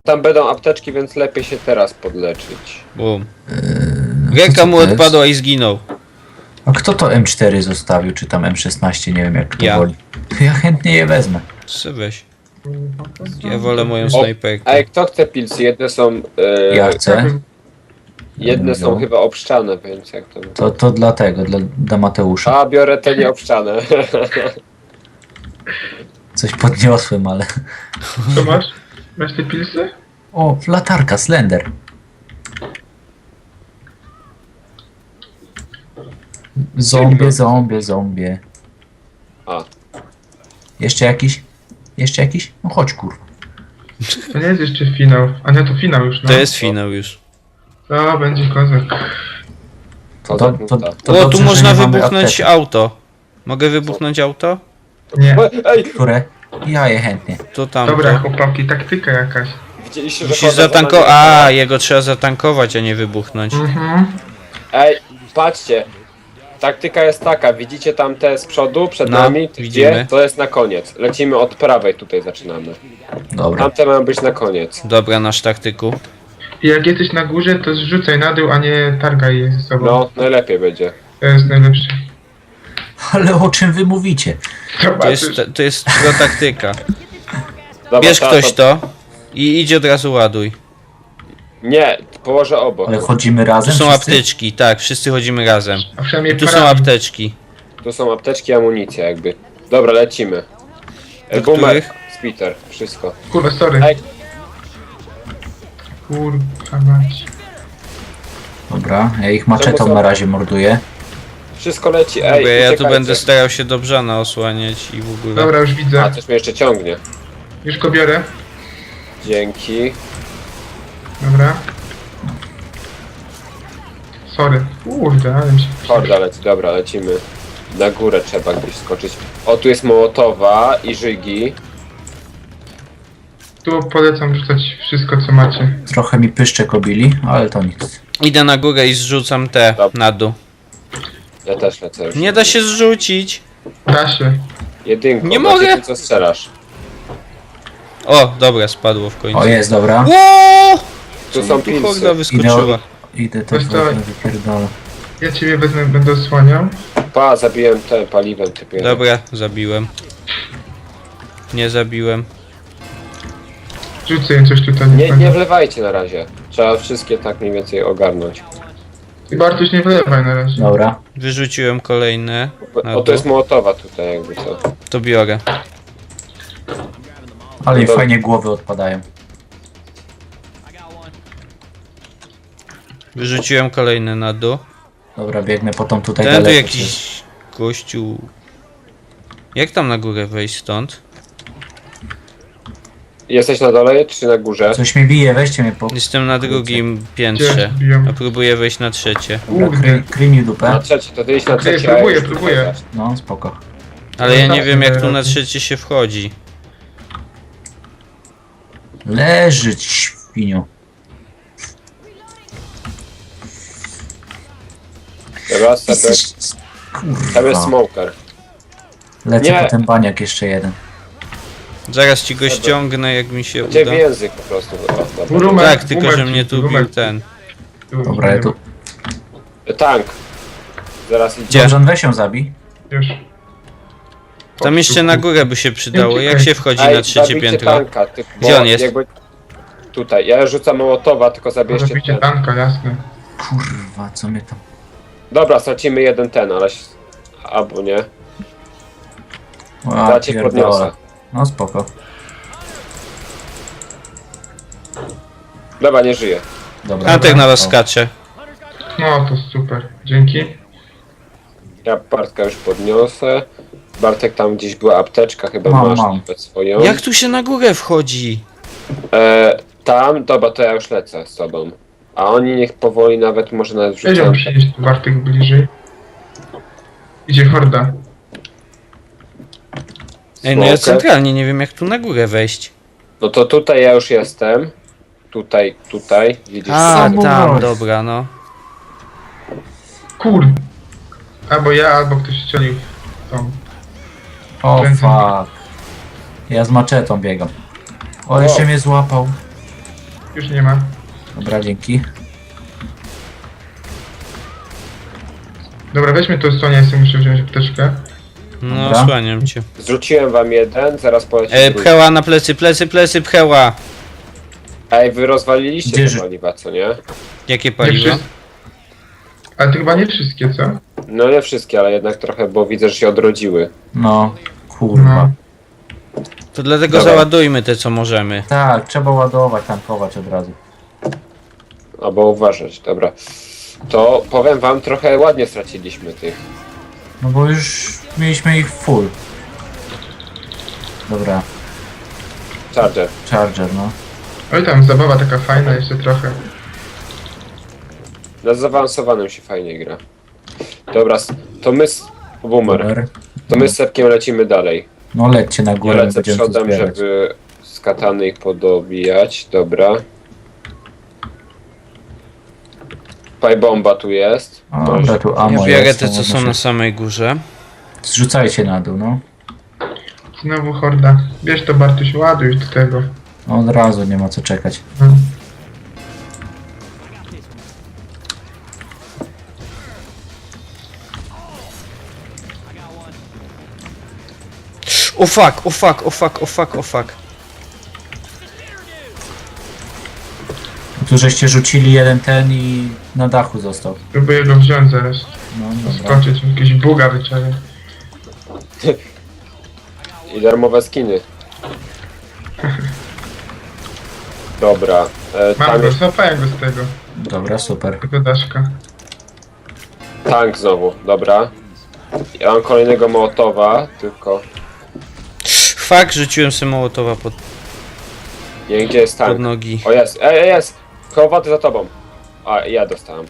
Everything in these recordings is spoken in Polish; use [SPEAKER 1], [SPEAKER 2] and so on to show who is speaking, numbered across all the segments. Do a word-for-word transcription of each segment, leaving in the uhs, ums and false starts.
[SPEAKER 1] tam będą apteczki, więc lepiej się teraz podleczyć.
[SPEAKER 2] Bum.
[SPEAKER 3] Eee,
[SPEAKER 2] Ręka
[SPEAKER 3] to
[SPEAKER 2] mu
[SPEAKER 3] co to
[SPEAKER 2] odpadła
[SPEAKER 3] jest?
[SPEAKER 2] i zginął.
[SPEAKER 3] A kto to M cztery zostawił, czy tam M szesnaście, nie wiem jak kto
[SPEAKER 2] Ja.
[SPEAKER 3] woli. To ja chętnie je wezmę.
[SPEAKER 2] Se weź. Ja wolę moją
[SPEAKER 1] O,
[SPEAKER 2] snajperkę.
[SPEAKER 1] Ej, kto chce pilsy? Jedne są... E,
[SPEAKER 3] Ja chcę.
[SPEAKER 1] Jedne są
[SPEAKER 3] No.
[SPEAKER 1] chyba obszczane, więc jak to...
[SPEAKER 3] To, to dla tego, dla, dla Mateusza.
[SPEAKER 1] A, biorę te nieobszczane.
[SPEAKER 3] Coś podniosłem, ale...
[SPEAKER 4] Co masz? Masz te pilsy?
[SPEAKER 3] O, latarka, Slender. Zombie, zombie, zombie.
[SPEAKER 1] A.
[SPEAKER 3] Jeszcze jakiś? Jeszcze jakiś? No chodź kurwa.
[SPEAKER 4] To nie jest jeszcze finał. A nie, to finał już, no.
[SPEAKER 2] To jest finał już.
[SPEAKER 4] To będzie kozak.
[SPEAKER 3] To, to, to, to
[SPEAKER 2] O,
[SPEAKER 3] dobrze,
[SPEAKER 2] tu
[SPEAKER 3] że
[SPEAKER 2] można
[SPEAKER 3] nie mamy
[SPEAKER 2] wybuchnąć
[SPEAKER 3] apteczek.
[SPEAKER 2] auto. Mogę wybuchnąć auto?
[SPEAKER 4] Nie.
[SPEAKER 1] Ej,
[SPEAKER 3] Które? Ja je chętnie.
[SPEAKER 2] To tam.
[SPEAKER 4] Dobra, chłopaki, taktyka jakaś.
[SPEAKER 1] widzieliście, że...
[SPEAKER 2] Musisz
[SPEAKER 1] chodzę za
[SPEAKER 2] zatankować.
[SPEAKER 1] nami?
[SPEAKER 2] A, jego trzeba zatankować, a nie wybuchnąć.
[SPEAKER 4] Mhm.
[SPEAKER 1] Ej, patrzcie. Taktyka jest taka, widzicie tam te z przodu, przed
[SPEAKER 2] No,
[SPEAKER 1] nami? Gdzie?
[SPEAKER 2] widzimy.
[SPEAKER 1] To jest na koniec. Lecimy od prawej, tutaj zaczynamy.
[SPEAKER 3] Dobra.
[SPEAKER 1] Tamte mają być na koniec.
[SPEAKER 2] Dobra, nasz taktyku.
[SPEAKER 4] I jak jesteś na górze, to zrzucaj na dół, a nie targaj je ze sobą.
[SPEAKER 1] No, najlepiej będzie.
[SPEAKER 4] To jest najlepsze.
[SPEAKER 3] Ale o czym wy mówicie?
[SPEAKER 2] To jest, to jest pro taktyka.
[SPEAKER 1] Dobra,
[SPEAKER 2] Bierz
[SPEAKER 1] ta-
[SPEAKER 2] ktoś to i idź od razu ładuj.
[SPEAKER 1] Nie, położę obok.
[SPEAKER 3] Ale chodzimy
[SPEAKER 2] Tu
[SPEAKER 3] razem
[SPEAKER 2] są
[SPEAKER 3] wszyscy?
[SPEAKER 2] apteczki, tak, wszyscy chodzimy razem.
[SPEAKER 4] A przynajmniej
[SPEAKER 2] Tu są
[SPEAKER 4] parami.
[SPEAKER 2] apteczki.
[SPEAKER 1] Tu są apteczki, amunicja jakby. Dobra, lecimy. E,
[SPEAKER 2] Do
[SPEAKER 1] Boomer,
[SPEAKER 2] których?
[SPEAKER 1] Spiter, wszystko.
[SPEAKER 4] Kurwa, sorry.
[SPEAKER 1] Ej,
[SPEAKER 4] Kurwa mać.
[SPEAKER 3] Dobra, ja ich maczetą
[SPEAKER 1] Czemu są-
[SPEAKER 3] na razie morduję.
[SPEAKER 1] wszystko leci, ej,
[SPEAKER 2] Dobra, ja tu
[SPEAKER 1] uciekajcie.
[SPEAKER 2] będę starał się do brzana osłaniać i w ogóle.
[SPEAKER 4] Dobra, już
[SPEAKER 1] A,
[SPEAKER 4] widzę.
[SPEAKER 1] coś mnie jeszcze ciągnie.
[SPEAKER 4] Już go biorę.
[SPEAKER 1] Dzięki.
[SPEAKER 4] Dobra. Sorry. Kurde, ale mi się...
[SPEAKER 1] Horda leci, dobra, lecimy. Na górę trzeba gdzieś skoczyć. O, tu jest Mołotowa i Żygi.
[SPEAKER 4] Tu polecam rzucać wszystko, co macie.
[SPEAKER 3] Trochę mi pyszczek obili, ale to nic.
[SPEAKER 2] Idę na górę i zrzucam te
[SPEAKER 1] Dobra.
[SPEAKER 2] na dół.
[SPEAKER 1] Ja też lecę już.
[SPEAKER 2] Nie da się zrzucić.
[SPEAKER 4] Da się.
[SPEAKER 1] Jedynko,
[SPEAKER 2] Nie
[SPEAKER 1] macie
[SPEAKER 2] mogę.
[SPEAKER 1] ty, co strzelasz.
[SPEAKER 2] O, dobra, spadło w końcu.
[SPEAKER 3] O, jest, dobra.
[SPEAKER 2] Ło!
[SPEAKER 1] Tu
[SPEAKER 2] Co
[SPEAKER 1] są
[SPEAKER 2] mi tu
[SPEAKER 1] pilsy.
[SPEAKER 2] horda wyskoczyła.
[SPEAKER 3] Idę też
[SPEAKER 4] Wiesz co?
[SPEAKER 3] wezmę, wypierdolę.
[SPEAKER 4] Ja ciebie wezmę, będę osłaniał.
[SPEAKER 1] Pa, zabiłem te paliwem typie.
[SPEAKER 2] Dobra, zabiłem. Nie zabiłem.
[SPEAKER 4] Rzucę im coś tutaj.
[SPEAKER 1] Nie, nie wlewajcie na razie. Trzeba wszystkie tak mniej więcej ogarnąć.
[SPEAKER 4] I Bartuś, nie wylewaj na razie.
[SPEAKER 3] Dobra.
[SPEAKER 2] Wyrzuciłem kolejne. Na
[SPEAKER 1] O, to
[SPEAKER 2] dół.
[SPEAKER 1] jest Mołotowa tutaj jakby co.
[SPEAKER 2] To biorę.
[SPEAKER 3] Ale mi
[SPEAKER 1] Dobra.
[SPEAKER 3] fajnie głowy odpadają.
[SPEAKER 2] Wyrzuciłem kolejne na dół.
[SPEAKER 3] Dobra, biegnę potem tutaj
[SPEAKER 2] Ten tu
[SPEAKER 3] daleko.
[SPEAKER 2] jakiś gościu. Jak tam na górę wejść stąd?
[SPEAKER 1] Jesteś na dole czy na górze?
[SPEAKER 3] Coś mi bije, weźcie mnie po...
[SPEAKER 2] Jestem na drugim
[SPEAKER 4] Gdzie
[SPEAKER 2] piętrze.
[SPEAKER 4] biją?
[SPEAKER 2] A próbuję wejść na trzecie.
[SPEAKER 3] Dobra,
[SPEAKER 4] Kurde.
[SPEAKER 3] kry, kryj mi
[SPEAKER 1] Na
[SPEAKER 3] dupę.
[SPEAKER 1] trzecie, to ty idź na
[SPEAKER 4] Okej,
[SPEAKER 1] trzecie. a ja
[SPEAKER 4] próbuję,
[SPEAKER 1] już tutaj
[SPEAKER 4] próbuję.
[SPEAKER 1] zacznę.
[SPEAKER 3] No, spoko.
[SPEAKER 2] Ale ja nie
[SPEAKER 4] Zostawmy
[SPEAKER 2] wiem jak tu
[SPEAKER 4] teraz.
[SPEAKER 2] na trzecie się wchodzi.
[SPEAKER 3] Leżyć, świniu.
[SPEAKER 1] Dobra, sobie.
[SPEAKER 3] Jesteś...
[SPEAKER 1] Tam jest
[SPEAKER 3] Kurwa.
[SPEAKER 1] smoker.
[SPEAKER 3] Lecę
[SPEAKER 1] Nie.
[SPEAKER 3] po ten baniak jeszcze jeden.
[SPEAKER 2] Zaraz ci go ściągnę jak mi się
[SPEAKER 1] Gdzie
[SPEAKER 2] uda.
[SPEAKER 1] w język po prostu. O, dobra.
[SPEAKER 4] Rumek,
[SPEAKER 2] Tak, tylko że
[SPEAKER 4] rumek,
[SPEAKER 2] mnie tu bił
[SPEAKER 4] rumek.
[SPEAKER 2] ten.
[SPEAKER 3] Dobra, ja tu...
[SPEAKER 1] Tank. Zaraz idzie.
[SPEAKER 2] Gdzie?
[SPEAKER 3] Dobrze, weź ją zabij.
[SPEAKER 4] Już.
[SPEAKER 2] Tam jeszcze na górę by się przydało. Jak się wchodzi
[SPEAKER 1] Ej,
[SPEAKER 2] na trzecie
[SPEAKER 1] zabijcie
[SPEAKER 2] piętro?
[SPEAKER 1] tanka, ty, bo
[SPEAKER 2] Gdzie on jest?
[SPEAKER 1] Jakby... Tutaj. Ja rzucam Mołotowa, tylko zabierzcie
[SPEAKER 4] Zabicie
[SPEAKER 1] ten.
[SPEAKER 4] tanka, jasne.
[SPEAKER 3] Kurwa, co mnie tam...
[SPEAKER 1] Dobra, stracimy jeden ten, ale... Albo nie.
[SPEAKER 3] A,
[SPEAKER 1] Ja cię podniosę.
[SPEAKER 3] pierdolę. No spoko.
[SPEAKER 1] Dobra, nie żyje.
[SPEAKER 3] Dobra.
[SPEAKER 2] Antek na was
[SPEAKER 3] O,
[SPEAKER 2] skacze.
[SPEAKER 4] No to super. Dzięki.
[SPEAKER 1] Ja Bartka już podniosę. Bartek, tam gdzieś była apteczka, chyba
[SPEAKER 3] Mam,
[SPEAKER 1] masz
[SPEAKER 3] mam.
[SPEAKER 1] nawet swoją.
[SPEAKER 2] Jak tu się na górę wchodzi?
[SPEAKER 1] E, tam, dobra, to ja już lecę z tobą. A oni niech powoli nawet, może nawet
[SPEAKER 4] Wiedział
[SPEAKER 1] wrzucają.
[SPEAKER 4] przyjść tu Bartek bliżej. Idzie horda.
[SPEAKER 2] Ej, no ja
[SPEAKER 1] Smoker.
[SPEAKER 2] centralnie nie wiem jak tu na górę wejść.
[SPEAKER 1] No to tutaj ja już jestem. Tutaj, tutaj. Widzisz?
[SPEAKER 2] A,
[SPEAKER 3] Samochód.
[SPEAKER 2] tam, dobra, no.
[SPEAKER 4] Kur... Albo ja, albo ktoś strzelił w tą.
[SPEAKER 3] O
[SPEAKER 4] Kręcę.
[SPEAKER 3] fuck. Ja z maczetą biegam. O, jeszcze mnie złapał.
[SPEAKER 4] Już nie ma.
[SPEAKER 3] Dobra, dzięki.
[SPEAKER 4] Dobra, weźmy to słonia, ja sobie muszę wziąć apteczkę.
[SPEAKER 2] No,
[SPEAKER 3] Dobra.
[SPEAKER 2] osłaniam cię.
[SPEAKER 1] Zrzuciłem wam jeden, zaraz poleci
[SPEAKER 2] E,
[SPEAKER 1] drugi.
[SPEAKER 2] pcheła na plecy, plecy, plecy, pcheła.
[SPEAKER 1] Ej, wy rozwaliliście
[SPEAKER 3] Gdzie
[SPEAKER 1] te
[SPEAKER 3] ży-
[SPEAKER 1] paliwa, co nie?
[SPEAKER 2] Jakie
[SPEAKER 4] Nie
[SPEAKER 2] paliwo?
[SPEAKER 4] wszyscy. Ale to chyba nie wszystkie, co?
[SPEAKER 1] No nie wszystkie, ale jednak trochę, bo widzę, że się odrodziły.
[SPEAKER 3] No, kurwa.
[SPEAKER 4] No.
[SPEAKER 2] To dlatego
[SPEAKER 1] Dobra.
[SPEAKER 2] załadujmy te co możemy.
[SPEAKER 3] Tak, trzeba ładować, tankować od razu.
[SPEAKER 1] Albo uważać, dobra. To powiem wam, trochę ładnie straciliśmy tych.
[SPEAKER 3] No bo już mieliśmy ich full. Dobra,
[SPEAKER 1] Charger.
[SPEAKER 3] Charger, no.
[SPEAKER 4] Oj tam, zabawa taka fajna jeszcze trochę.
[SPEAKER 1] Na zaawansowanym się fajnie gra. Dobra, s- to my z... Boomer.
[SPEAKER 3] Super.
[SPEAKER 1] To my z Sepkiem lecimy dalej.
[SPEAKER 3] No lećcie na
[SPEAKER 1] Ja
[SPEAKER 3] górę,
[SPEAKER 1] lecę
[SPEAKER 3] będziemy tu
[SPEAKER 1] przodem,
[SPEAKER 3] zbierać.
[SPEAKER 1] żeby z katany ich podobijać. Dobra. Pajbomba tu jest.
[SPEAKER 3] O, dobra, tu
[SPEAKER 2] Ja
[SPEAKER 3] ammo
[SPEAKER 2] biorę
[SPEAKER 3] jest,
[SPEAKER 2] te
[SPEAKER 3] to
[SPEAKER 2] co
[SPEAKER 3] można
[SPEAKER 2] są na
[SPEAKER 3] się-
[SPEAKER 2] samej górze.
[SPEAKER 3] Zrzucajcie na dół, no.
[SPEAKER 4] Znowu horda. Bierz to, Bartuś, ładuj do tego.
[SPEAKER 3] No od razu, nie ma co czekać.
[SPEAKER 4] No.
[SPEAKER 2] O fuck, o fuck, o fuck, o fuck, o fuck.
[SPEAKER 3] Tu żeście rzucili jeden ten i na dachu został.
[SPEAKER 4] Próbuję go wziąć zaraz.
[SPEAKER 3] No dobra.
[SPEAKER 4] Skoczyć, jakieś buga wyczaję.
[SPEAKER 1] I darmowe skiny. Dobra. E,
[SPEAKER 4] Mam
[SPEAKER 1] tank,
[SPEAKER 4] go, złapałem go z tego.
[SPEAKER 3] Dobra, super.
[SPEAKER 4] Tego daszka.
[SPEAKER 1] tank znowu, dobra. Ja mam kolejnego Mołotowa, tylko...
[SPEAKER 2] Fuck, rzuciłem sobie mołotowa pod,
[SPEAKER 1] Nie wiem, gdzie jest
[SPEAKER 2] pod
[SPEAKER 1] tank.
[SPEAKER 2] nogi.
[SPEAKER 1] O jest, ej, ej, jest! Chowaty za tobą. A, ja dostałem.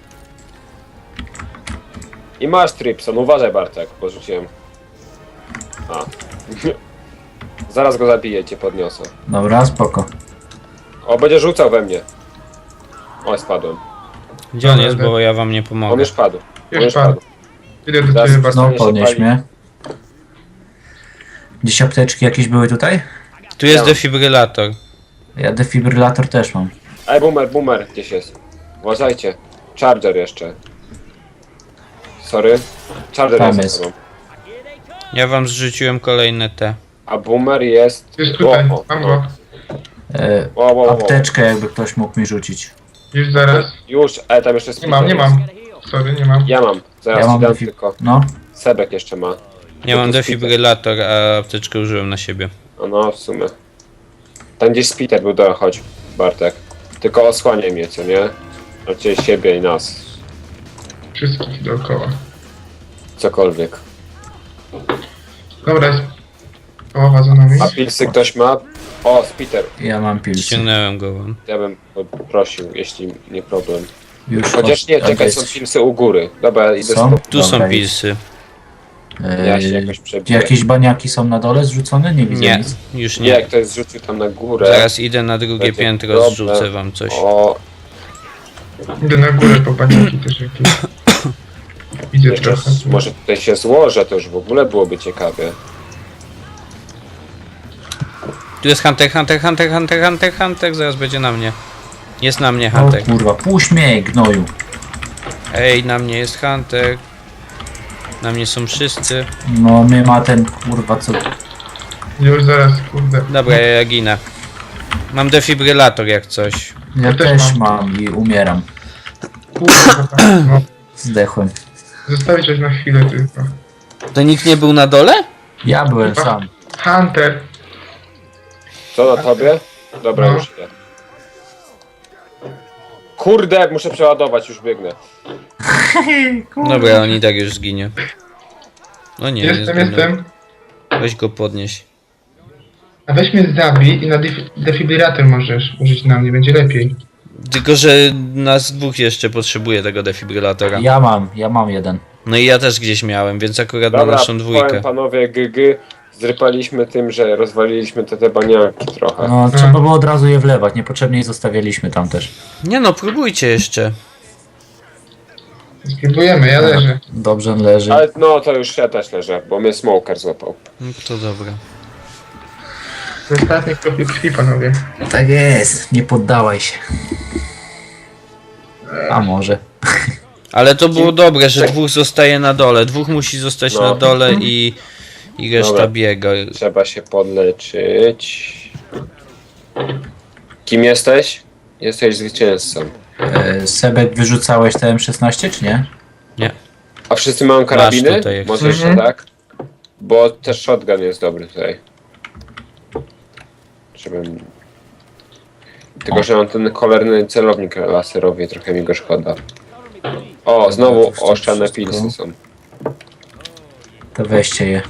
[SPEAKER 1] I masz Tripson, uważaj Bartek, bo rzuciłem. A. Zaraz go zabiję, cię podniosę.
[SPEAKER 3] Dobra, spoko.
[SPEAKER 1] O, będzie rzucał we mnie. O, spadłem.
[SPEAKER 2] Gdzie on
[SPEAKER 4] Dobra,
[SPEAKER 2] jest,
[SPEAKER 4] dobra.
[SPEAKER 2] bo ja wam nie
[SPEAKER 1] On
[SPEAKER 2] pomogę.
[SPEAKER 1] już padł. On
[SPEAKER 4] Już padł. Idę do
[SPEAKER 1] Zaraz
[SPEAKER 4] ciebie, Bartuś.
[SPEAKER 3] No,
[SPEAKER 1] się
[SPEAKER 3] podnieś
[SPEAKER 1] pali.
[SPEAKER 3] mnie. Gdzieś apteczki jakieś były tutaj?
[SPEAKER 2] Tu jest
[SPEAKER 1] Ja.
[SPEAKER 2] defibrylator.
[SPEAKER 3] Ja defibrylator też mam.
[SPEAKER 1] Ej, boomer, boomer, gdzieś jest. Uważajcie. Charger jeszcze. Sorry. Charger
[SPEAKER 3] Tam
[SPEAKER 1] jest,
[SPEAKER 3] jest.
[SPEAKER 1] za tobą.
[SPEAKER 2] Ja wam zrzuciłem kolejne te.
[SPEAKER 1] A boomer jest...
[SPEAKER 4] Jest tutaj,
[SPEAKER 1] O, o,
[SPEAKER 4] mam
[SPEAKER 1] o.
[SPEAKER 4] go.
[SPEAKER 3] E,
[SPEAKER 1] O, o, o, o.
[SPEAKER 3] apteczkę jakby ktoś mógł mi rzucić.
[SPEAKER 4] Już zaraz.
[SPEAKER 1] Już, ale tam jeszcze jest...
[SPEAKER 4] Nie mam, nie mam. Sorry, nie mam.
[SPEAKER 1] Ja mam. Zaraz
[SPEAKER 3] Ja
[SPEAKER 1] ci
[SPEAKER 3] mam
[SPEAKER 1] dam
[SPEAKER 3] defi-
[SPEAKER 1] tylko.
[SPEAKER 3] No,
[SPEAKER 1] Sebek jeszcze ma.
[SPEAKER 2] Ja mam
[SPEAKER 1] to jest
[SPEAKER 2] defibrylator, a apteczkę użyłem na siebie.
[SPEAKER 1] O, no, w sumie. Tam gdzieś Spiter był, do chodź, Bartek. Tylko osłaniaj mnie, co nie? Znaczy siebie i nas.
[SPEAKER 4] Wszystkich dookoła.
[SPEAKER 1] Cokolwiek.
[SPEAKER 4] Dobra, jest połowa za nami.
[SPEAKER 1] A pilsy ktoś ma? O, Spiter.
[SPEAKER 3] ja mam pilsy.
[SPEAKER 2] Ściągnąłem go wam.
[SPEAKER 1] Ja bym poprosił, jeśli nie problem.
[SPEAKER 3] Już
[SPEAKER 1] Chociaż nie,
[SPEAKER 3] od-
[SPEAKER 1] czekaj, są
[SPEAKER 3] jest-
[SPEAKER 1] pilsy u góry. Dobra, idę
[SPEAKER 3] Są?
[SPEAKER 1] stąd.
[SPEAKER 2] Tu są
[SPEAKER 3] Dobra,
[SPEAKER 2] pilsy.
[SPEAKER 1] Ja się
[SPEAKER 3] E,
[SPEAKER 1] jakoś przebiję.
[SPEAKER 3] jakieś baniaki są na dole zrzucone? Nie widzę
[SPEAKER 2] Nie,
[SPEAKER 3] nic.
[SPEAKER 2] już
[SPEAKER 1] Nie,
[SPEAKER 2] nie.
[SPEAKER 1] ktoś zrzucił tam na górę.
[SPEAKER 2] Zaraz idę na drugie
[SPEAKER 1] Będzie
[SPEAKER 2] piętro,
[SPEAKER 1] problem.
[SPEAKER 2] zrzucę wam coś.
[SPEAKER 1] O,
[SPEAKER 4] Idę na górę po baniaki też jakieś. Widzę
[SPEAKER 1] jeszcze
[SPEAKER 4] trochę.
[SPEAKER 1] s- może tutaj się złożę, to już w ogóle byłoby ciekawie.
[SPEAKER 2] Tu jest Hunter, Hunter, Hunter, Hunter, Hunter, Hunter, zaraz będzie na mnie. Jest na mnie
[SPEAKER 3] O
[SPEAKER 2] Hunter.
[SPEAKER 3] kurwa, puść mnie, gnoju.
[SPEAKER 2] Ej, na mnie jest Hunter. Na mnie są wszyscy.
[SPEAKER 3] No mnie ma ten kurwa co...
[SPEAKER 4] Już zaraz, kurde.
[SPEAKER 2] Dobra, ja, ja ginę. Mam defibrylator jak coś.
[SPEAKER 3] Ja
[SPEAKER 4] też
[SPEAKER 3] też
[SPEAKER 4] mam.
[SPEAKER 3] mam i umieram.
[SPEAKER 4] Kurde, no.
[SPEAKER 3] Zdechłem.
[SPEAKER 4] Zostawić coś na chwilę tylko.
[SPEAKER 2] To nikt nie był na dole?
[SPEAKER 3] Ja byłem sam.
[SPEAKER 4] Hunter!
[SPEAKER 1] Co na tobie? Dobra,
[SPEAKER 4] No.
[SPEAKER 1] już idę. Kurde, muszę przeładować, już biegnę.
[SPEAKER 2] Dobra, on i tak już zginie. No nie, nie
[SPEAKER 4] Jestem,
[SPEAKER 2] zginął.
[SPEAKER 4] jestem.
[SPEAKER 2] Weź go podnieś.
[SPEAKER 4] A weź mnie zabij i na def- defibrylator możesz użyć na mnie, będzie lepiej.
[SPEAKER 2] Tylko, że nas dwóch jeszcze potrzebuje tego defibrylatora.
[SPEAKER 3] Ja mam, ja mam jeden.
[SPEAKER 2] No i ja też gdzieś miałem, więc akurat na
[SPEAKER 1] Dobra,
[SPEAKER 2] naszą dwójkę.
[SPEAKER 1] powiem panowie, gygy, zrypaliśmy tym, że rozwaliliśmy te, te baniaki trochę.
[SPEAKER 3] No trzeba było od razu je wlewać, niepotrzebnie je zostawialiśmy tam też.
[SPEAKER 2] Nie no, próbujcie jeszcze.
[SPEAKER 4] Spróbujemy, ja leżę.
[SPEAKER 3] Dobrze on leży.
[SPEAKER 1] Ale no to już ja też leżę, bo mnie smoker złapał.
[SPEAKER 2] No to dobra.
[SPEAKER 4] Ostatni kropli krwi, panowie.
[SPEAKER 3] Tak jest, nie poddawaj się. A może.
[SPEAKER 2] Ale to było dobre, że dwóch zostaje na dole. Dwóch musi zostać
[SPEAKER 1] No.
[SPEAKER 2] na dole i, i reszta
[SPEAKER 1] Dobra.
[SPEAKER 2] biega.
[SPEAKER 1] Trzeba się podleczyć. Kim jesteś? Jesteś zwycięzcą.
[SPEAKER 3] E, Sebek, wyrzucałeś te M szesnaście, czy nie?
[SPEAKER 2] Nie.
[SPEAKER 1] A wszyscy mają karabiny?
[SPEAKER 2] tutaj jak
[SPEAKER 1] Może
[SPEAKER 4] chcesz.
[SPEAKER 1] jeszcze
[SPEAKER 4] Mhm.
[SPEAKER 1] tak? Bo też shotgun jest dobry tutaj. Żebym... Tylko, że mam ten cholerny celownik laserowy i trochę mi go szkoda. O, znowu
[SPEAKER 3] to
[SPEAKER 1] oszczane
[SPEAKER 3] wszystko.
[SPEAKER 1] pilsy są.
[SPEAKER 3] To weźcie je.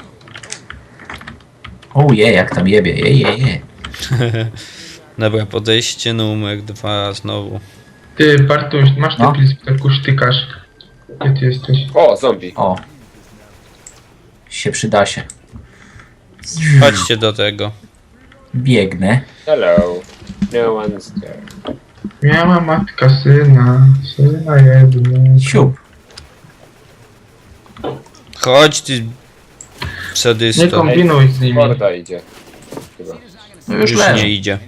[SPEAKER 3] O je, jak tam jebie, je, je, je.
[SPEAKER 2] Dobra, podejście numer dwa znowu.
[SPEAKER 4] Ty, Bartuś, masz te
[SPEAKER 3] No.
[SPEAKER 4] pilsy, tak kusztykasz. Gdzie ty jesteś?
[SPEAKER 1] O, zombie.
[SPEAKER 3] O. Się przyda się.
[SPEAKER 2] Chodźcie do tego.
[SPEAKER 3] Biegnę.
[SPEAKER 1] Hello. No one's there.
[SPEAKER 4] Miała matka syna, syna jednego.
[SPEAKER 3] Siup.
[SPEAKER 2] Chodź ty
[SPEAKER 4] Nie
[SPEAKER 2] sadysto.
[SPEAKER 4] kombinuj z nimi.
[SPEAKER 1] Morda idzie. Chyba.
[SPEAKER 3] No już
[SPEAKER 2] Już
[SPEAKER 3] leży.
[SPEAKER 2] nie idzie.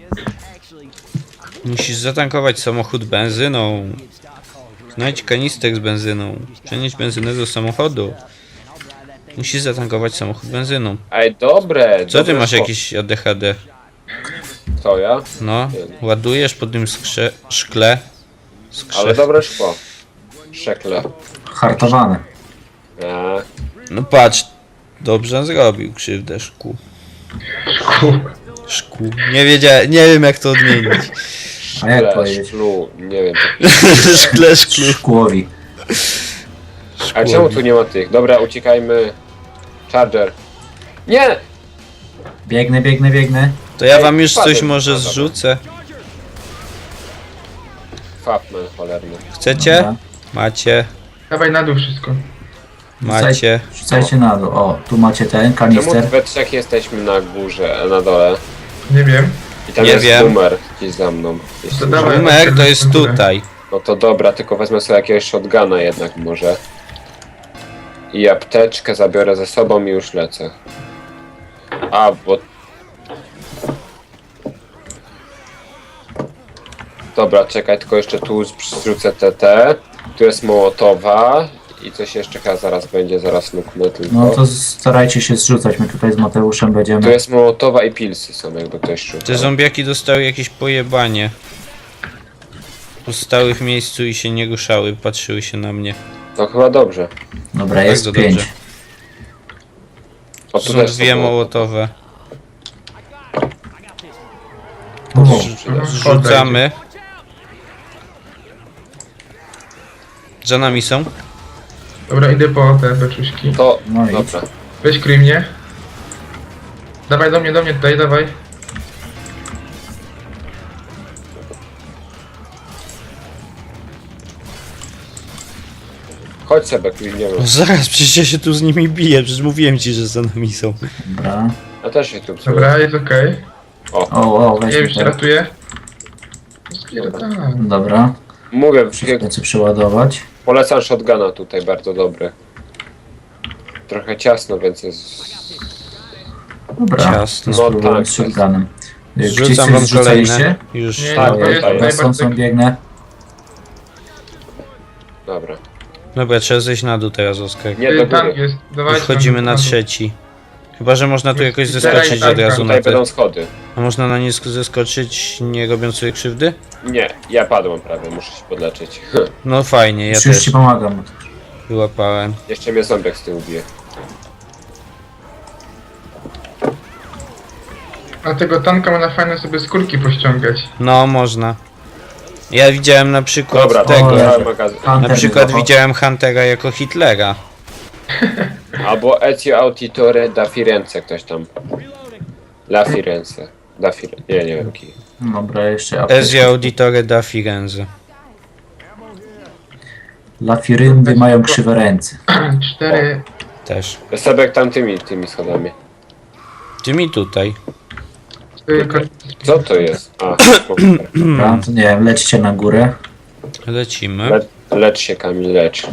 [SPEAKER 2] Musisz zatankować samochód benzyną. Znajdź kanister z benzyną. Przenieść benzynę do samochodu. Musisz zatankować samochód benzyną.
[SPEAKER 1] Ej, dobre.
[SPEAKER 2] Co ty
[SPEAKER 1] dobre
[SPEAKER 2] masz
[SPEAKER 1] szło.
[SPEAKER 2] jakieś A D H D?
[SPEAKER 1] To ja?
[SPEAKER 2] No, ładujesz po tym skrze szkle. Skrze.
[SPEAKER 1] Ale dobre szkło. Szekle.
[SPEAKER 3] Hartowane.
[SPEAKER 1] A,
[SPEAKER 2] No patrz, dobrze zrobił krzywdę szkół.
[SPEAKER 4] Szku.
[SPEAKER 2] Szkół. Nie wiedziałem, nie wiem jak to odmienić.
[SPEAKER 3] A jak
[SPEAKER 1] szkle,
[SPEAKER 3] powiedzieć?
[SPEAKER 1] szklu, nie wiem.
[SPEAKER 2] Szkle, szklu.
[SPEAKER 3] Szkłowi.
[SPEAKER 1] A czemu tu nie ma tych? Dobra, uciekajmy. Charger. Nie!
[SPEAKER 3] Biegnę, biegnę, biegnę.
[SPEAKER 2] To ja
[SPEAKER 1] Ej,
[SPEAKER 2] wam już
[SPEAKER 1] wpadłem.
[SPEAKER 2] coś może
[SPEAKER 1] No, dobra.
[SPEAKER 2] zrzucę.
[SPEAKER 1] Fapman cholerny.
[SPEAKER 2] Chcecie?
[SPEAKER 3] Dobra.
[SPEAKER 2] Macie,
[SPEAKER 4] Dawaj na dół wszystko.
[SPEAKER 2] macie.
[SPEAKER 3] Rzucajcie na dół. O, tu macie ten
[SPEAKER 1] Czemu
[SPEAKER 3] kanister.
[SPEAKER 1] we trzech jesteśmy na górze, na dole?
[SPEAKER 4] Nie wiem.
[SPEAKER 1] I tam
[SPEAKER 2] Nie
[SPEAKER 1] jest
[SPEAKER 2] wiem.
[SPEAKER 1] boomer gdzieś za mną. Jeśli
[SPEAKER 4] To dawaj.
[SPEAKER 2] Numer to jest tutaj.
[SPEAKER 1] No to dobra, tylko wezmę sobie jakiegoś shotguna jednak może. I apteczkę zabiorę ze sobą i już lecę. A, bo... Dobra, czekaj, tylko jeszcze tu zrzucę T T. Tu jest Mołotowa. I coś jeszcze chyba zaraz będzie, zaraz luknę tylko.
[SPEAKER 3] No to starajcie się zrzucać. My tutaj z Mateuszem
[SPEAKER 1] Tu
[SPEAKER 3] będziemy.
[SPEAKER 1] jest Mołotowa i pilsy są, jakby ktoś szukał.
[SPEAKER 2] Te zombiaki dostały jakieś pojebanie. Stały w miejscu i się nie ruszały, patrzyły się na mnie.
[SPEAKER 1] No chyba dobrze.
[SPEAKER 3] Dobra, jest
[SPEAKER 2] Bardzo
[SPEAKER 3] pięć.
[SPEAKER 2] dobrze.
[SPEAKER 1] O, tu
[SPEAKER 2] Są
[SPEAKER 1] też
[SPEAKER 2] dwie
[SPEAKER 1] Mołotowy.
[SPEAKER 2] mołotowe.
[SPEAKER 3] O,
[SPEAKER 2] Zrzucamy. Za nami są.
[SPEAKER 4] Dobra, idę po te beczuśki.
[SPEAKER 1] To,
[SPEAKER 3] No idź.
[SPEAKER 1] dobra.
[SPEAKER 4] Weź kryj mnie. Dawaj do mnie, do mnie tutaj, dawaj.
[SPEAKER 1] Chodź sobie, klikniemy.
[SPEAKER 2] No zaraz, przecież ja się tu z nimi biję, przecież mówiłem ci, że za nami są.
[SPEAKER 3] dobra.
[SPEAKER 1] Ja też się tu psuję.
[SPEAKER 4] Dobra, jest okej.
[SPEAKER 3] O, o,
[SPEAKER 4] Ja
[SPEAKER 3] weźmy
[SPEAKER 4] już cię
[SPEAKER 3] ten.
[SPEAKER 4] ratuję. Spierdalam.
[SPEAKER 3] Dobra.
[SPEAKER 1] Mówię,
[SPEAKER 3] Lecę przeładować.
[SPEAKER 1] polecam shotguna tutaj, bardzo dobry. Trochę ciasno, więc jest...
[SPEAKER 3] Dobra.
[SPEAKER 2] Ciasno.
[SPEAKER 3] To spróbuję
[SPEAKER 1] No tak,
[SPEAKER 3] z shotgunem. Gdzieś
[SPEAKER 2] Zrzucam
[SPEAKER 3] coś
[SPEAKER 2] wam
[SPEAKER 3] zrzucaliście?
[SPEAKER 2] kolejne. Już.
[SPEAKER 4] Nie,
[SPEAKER 1] Tak,
[SPEAKER 4] to jest
[SPEAKER 1] tak,
[SPEAKER 3] Dobra, są, są,
[SPEAKER 4] najbardziej...
[SPEAKER 3] biegnę.
[SPEAKER 1] Dobra.
[SPEAKER 2] Dobra, trzeba zejść na dół teraz, Oskar.
[SPEAKER 1] Nie, do
[SPEAKER 4] Tam
[SPEAKER 1] góry.
[SPEAKER 4] jest, dawaj.
[SPEAKER 2] Już wchodzimy na trzeci. Chyba, że można tu jakoś zeskoczyć od razu na
[SPEAKER 1] Tutaj
[SPEAKER 2] te...
[SPEAKER 1] będą schody.
[SPEAKER 2] A można na nie sk- zeskoczyć, nie robiąc sobie krzywdy?
[SPEAKER 1] Nie, ja padłem prawie, muszę się podleczyć.
[SPEAKER 2] No fajnie, ja
[SPEAKER 3] Już, już
[SPEAKER 2] też
[SPEAKER 3] ci pomagam.
[SPEAKER 2] wyłapałem.
[SPEAKER 1] Jeszcze mnie zombiak z tyłu bije.
[SPEAKER 4] A tego tanka można fajnie sobie skórki pościągać.
[SPEAKER 2] No, można. Ja widziałem na przykład
[SPEAKER 1] Dobra,
[SPEAKER 2] tego.
[SPEAKER 3] O,
[SPEAKER 1] cały magazyn.
[SPEAKER 3] Hunter
[SPEAKER 2] Na przykład
[SPEAKER 3] wyłapał.
[SPEAKER 2] widziałem Huntera jako Hitlera.
[SPEAKER 1] Albo Ezio Auditore da Firenze, ktoś tam. La Firenze. Da Firenze. Nie, nie wiem ki.
[SPEAKER 3] Dobra, jeszcze apteczka.
[SPEAKER 2] Ezio Auditore da Firenze.
[SPEAKER 3] Lafiryndy mają krzywe ręce.
[SPEAKER 4] Cztery...
[SPEAKER 2] Też.
[SPEAKER 1] Sebek tamtymi tymi schodami.
[SPEAKER 2] Ty mi tutaj.
[SPEAKER 4] cztery kor-
[SPEAKER 1] Co to jest? A,
[SPEAKER 3] Dobra, to nie wiem, lećcie na górę.
[SPEAKER 2] Lecimy.
[SPEAKER 1] le lecz się Kamil, lecz.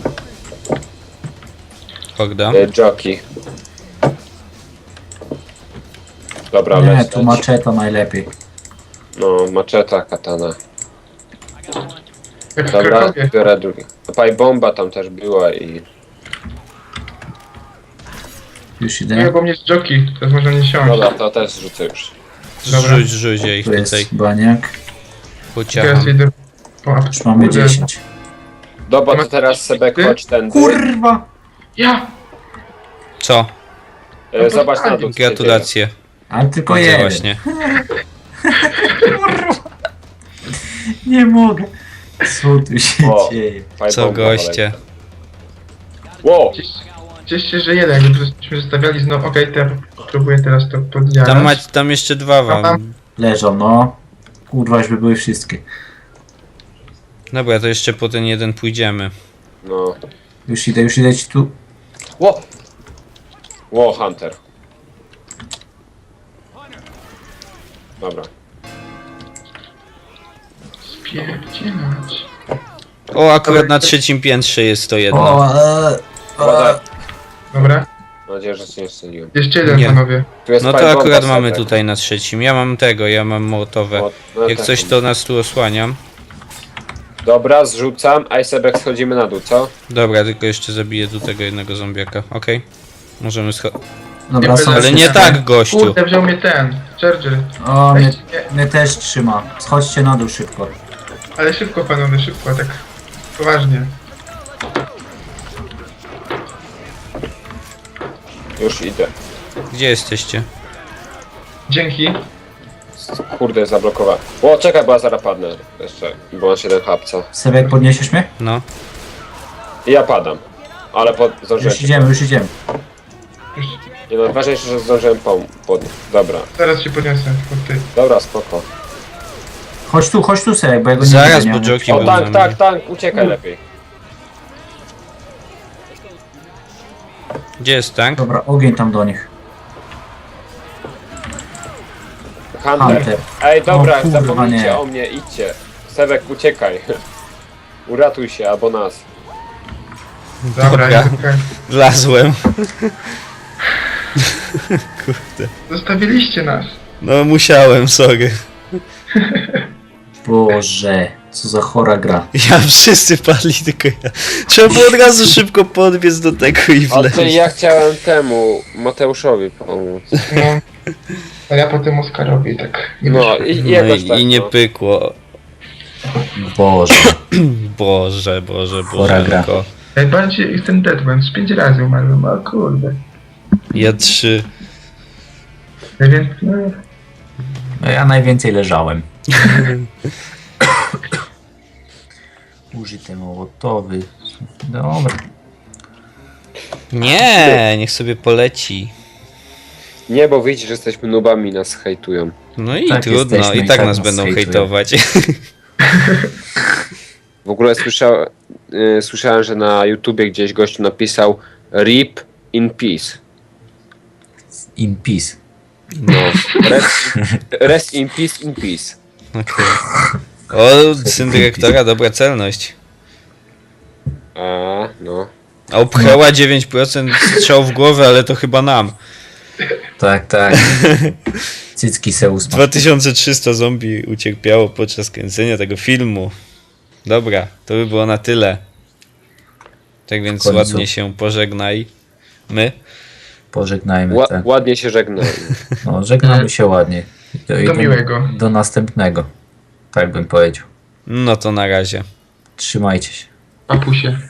[SPEAKER 2] Horda.
[SPEAKER 1] E, Jockey. Dobra,
[SPEAKER 3] Nie,
[SPEAKER 1] leć,
[SPEAKER 3] tu
[SPEAKER 1] leć.
[SPEAKER 3] maczeta najlepiej.
[SPEAKER 1] No, maczeta, katana.
[SPEAKER 4] Jak w
[SPEAKER 1] Dobra,
[SPEAKER 4] Krakowie.
[SPEAKER 1] biorę drugi. Paj bomba tam też była i...
[SPEAKER 3] Już
[SPEAKER 4] Nie,
[SPEAKER 3] idę.
[SPEAKER 4] bo mnie z joki, teraz można nie siąść.
[SPEAKER 1] Dobra, to też rzucę już.
[SPEAKER 4] Dobra.
[SPEAKER 2] Rzuć, rzuć, ja ich
[SPEAKER 3] Tu
[SPEAKER 2] tutaj
[SPEAKER 3] jest baniak.
[SPEAKER 2] pociacham.
[SPEAKER 4] Teraz idę po apteczkę.
[SPEAKER 3] Już mamy dziesięć.
[SPEAKER 1] Dobra, to teraz sobie chodź tędy.
[SPEAKER 3] Kurwa!
[SPEAKER 4] Ja!
[SPEAKER 2] Co?
[SPEAKER 1] E, Zobacz na dół. co się
[SPEAKER 2] Gratulacje.
[SPEAKER 3] Ale tylko
[SPEAKER 2] Widzę
[SPEAKER 3] jeden.
[SPEAKER 2] właśnie.
[SPEAKER 3] Nie mogę. Co tu się
[SPEAKER 1] O.
[SPEAKER 3] dzieje?
[SPEAKER 1] dzieje. Paj
[SPEAKER 2] Co
[SPEAKER 1] bomba
[SPEAKER 2] goście.
[SPEAKER 1] poleci. Wow!
[SPEAKER 4] Cieszcie, że jeden, jakbyśmy zostawiali znowu. Okej, to ja próbuję teraz to podjarać.
[SPEAKER 2] Tam, ma, tam jeszcze dwa wam.
[SPEAKER 3] Leżą, no. Kurwa, już by były wszystkie.
[SPEAKER 2] Dobra, to jeszcze po ten jeden pójdziemy.
[SPEAKER 1] No.
[SPEAKER 3] Już idę, już idę ci tu.
[SPEAKER 1] Ło! Ło, Hunter. Dobra.
[SPEAKER 4] Spierdzielać.
[SPEAKER 2] O, akurat na trzecim piętrze jest to jedno.
[SPEAKER 3] O, e,
[SPEAKER 1] Woda.
[SPEAKER 3] e,
[SPEAKER 4] Dobra.
[SPEAKER 1] Mam nadzieję, że się nie strzeliłem.
[SPEAKER 4] Jeszcze jeden,
[SPEAKER 2] Nie.
[SPEAKER 4] panowie.
[SPEAKER 1] Tu jest
[SPEAKER 2] No
[SPEAKER 1] paj
[SPEAKER 2] to
[SPEAKER 1] bomba,
[SPEAKER 2] akurat mamy
[SPEAKER 1] Sebek.
[SPEAKER 2] tutaj na trzecim. Ja mam tego, ja mam mołotowe.
[SPEAKER 1] O, no
[SPEAKER 2] Jak
[SPEAKER 1] tak.
[SPEAKER 2] coś to nas tu osłaniam.
[SPEAKER 1] Dobra, zrzucam, a i sobie schodzimy na dół, co?
[SPEAKER 2] Dobra, tylko jeszcze zabiję tu tego jednego zombiaka. Okej. Możemy schodzić.
[SPEAKER 3] Dobra, są
[SPEAKER 2] Ale nie
[SPEAKER 3] wszystkie.
[SPEAKER 2] tak, gościu.
[SPEAKER 4] Kurde, wziął mnie ten. Charger.
[SPEAKER 3] O, mnie,
[SPEAKER 4] Weźcie mnie.
[SPEAKER 3] mnie też trzyma. Schodźcie na dół szybko.
[SPEAKER 4] Ale szybko, panowie, szybko, tak. Poważnie.
[SPEAKER 1] Już idę.
[SPEAKER 2] Gdzie jesteście?
[SPEAKER 4] Dzięki.
[SPEAKER 1] Kurde, zablokowałem. O, czekaj, bo ja zaraz padnę. Jeszcze, bo mam siedem hapca.
[SPEAKER 3] Sebek, podniesiesz mnie?
[SPEAKER 2] No.
[SPEAKER 1] I ja padam. Ale pod, zdążyłem.
[SPEAKER 3] Już idziemy, już idziemy.
[SPEAKER 4] Już
[SPEAKER 1] Nie no, ważniejsze, że zdążyłem pom podnieść. Dobra,
[SPEAKER 4] zaraz się podniosę. pod ty.
[SPEAKER 1] dobra, spoko.
[SPEAKER 3] Chodź tu, chodź tu, Sebek, bo ja go nie
[SPEAKER 2] Zaraz,
[SPEAKER 3] widzę,
[SPEAKER 2] bo
[SPEAKER 3] nie?
[SPEAKER 2] Joki
[SPEAKER 1] O,
[SPEAKER 2] był
[SPEAKER 1] tank,
[SPEAKER 2] na
[SPEAKER 1] tank,
[SPEAKER 2] mnie.
[SPEAKER 1] tank, uciekaj lepiej.
[SPEAKER 2] Gdzie jest tank?
[SPEAKER 3] Dobra, ogień tam do nich.
[SPEAKER 1] Hunter.
[SPEAKER 3] Hunter.
[SPEAKER 1] Ej, dobra,
[SPEAKER 3] O, kurwa,
[SPEAKER 1] zapomnijcie
[SPEAKER 3] nie.
[SPEAKER 1] o mnie, idźcie. Sebek, uciekaj. Uratuj się, albo nas.
[SPEAKER 4] Dobra,
[SPEAKER 2] Dobra.
[SPEAKER 4] jest okej.
[SPEAKER 2] Wlazłem. Kurde.
[SPEAKER 4] Zostawiliście nas.
[SPEAKER 2] No musiałem, sorry.
[SPEAKER 3] Boże, co za chora gra.
[SPEAKER 2] Ja wszyscy padli, tylko ja. Trzeba było od razu szybko podbiec do tego i
[SPEAKER 1] A ty,
[SPEAKER 2] wleźć.
[SPEAKER 1] ja chciałem temu, Mateuszowi pomóc.
[SPEAKER 4] No. A ja potem Oskarowi tak. Nie
[SPEAKER 1] No
[SPEAKER 4] wyszło.
[SPEAKER 1] i, i
[SPEAKER 2] No
[SPEAKER 1] jakoś
[SPEAKER 2] i,
[SPEAKER 1] tak,
[SPEAKER 2] i nie
[SPEAKER 1] no.
[SPEAKER 2] pykło.
[SPEAKER 3] Boże.
[SPEAKER 2] Boże, Boże,
[SPEAKER 3] Chora gra.
[SPEAKER 2] Boże.
[SPEAKER 4] Najbardziej jestem deadman. Z pięć razy umarłem, o kurde.
[SPEAKER 2] Ja trzy.
[SPEAKER 4] Ja więc, no,
[SPEAKER 3] No ja najwięcej leżałem. Użyte mołotowy. Dobra.
[SPEAKER 2] Nie, niech sobie poleci.
[SPEAKER 1] Nie, bo widzisz, że jesteśmy nubami, nas hejtują.
[SPEAKER 2] No i
[SPEAKER 3] Tak
[SPEAKER 2] trudno,
[SPEAKER 3] jesteśmy
[SPEAKER 2] i
[SPEAKER 3] i
[SPEAKER 2] tak
[SPEAKER 3] tak
[SPEAKER 2] nas
[SPEAKER 3] nas
[SPEAKER 2] będą
[SPEAKER 3] hejtują.
[SPEAKER 2] hejtować.
[SPEAKER 1] W ogóle słyszał, y, słyszałem, że na YouTubie gdzieś gościu napisał RIP in peace.
[SPEAKER 3] In peace.
[SPEAKER 1] No, rest, rest in peace, in peace.
[SPEAKER 2] Okej. O, syn dyrektora, dobra celność.
[SPEAKER 1] A, no.
[SPEAKER 2] A obchęła dziewięć procent strzał w głowę, ale to chyba nam.
[SPEAKER 3] Tak, tak. Cycki se ósma.
[SPEAKER 2] dwa tysiące trzysta zombie ucierpiało podczas kręcenia tego filmu. Dobra, to by było na tyle. Tak więc
[SPEAKER 3] końcu.
[SPEAKER 2] ładnie się pożegnaj. My.
[SPEAKER 3] Pożegnajmy
[SPEAKER 1] Ła,
[SPEAKER 3] te.
[SPEAKER 1] ładnie się żegnam.
[SPEAKER 3] No, żegnamy się ładnie. Do,
[SPEAKER 4] Do miłego.
[SPEAKER 3] Do następnego. Tak bym powiedział.
[SPEAKER 2] No to na razie.
[SPEAKER 3] Trzymajcie się.
[SPEAKER 4] papusie.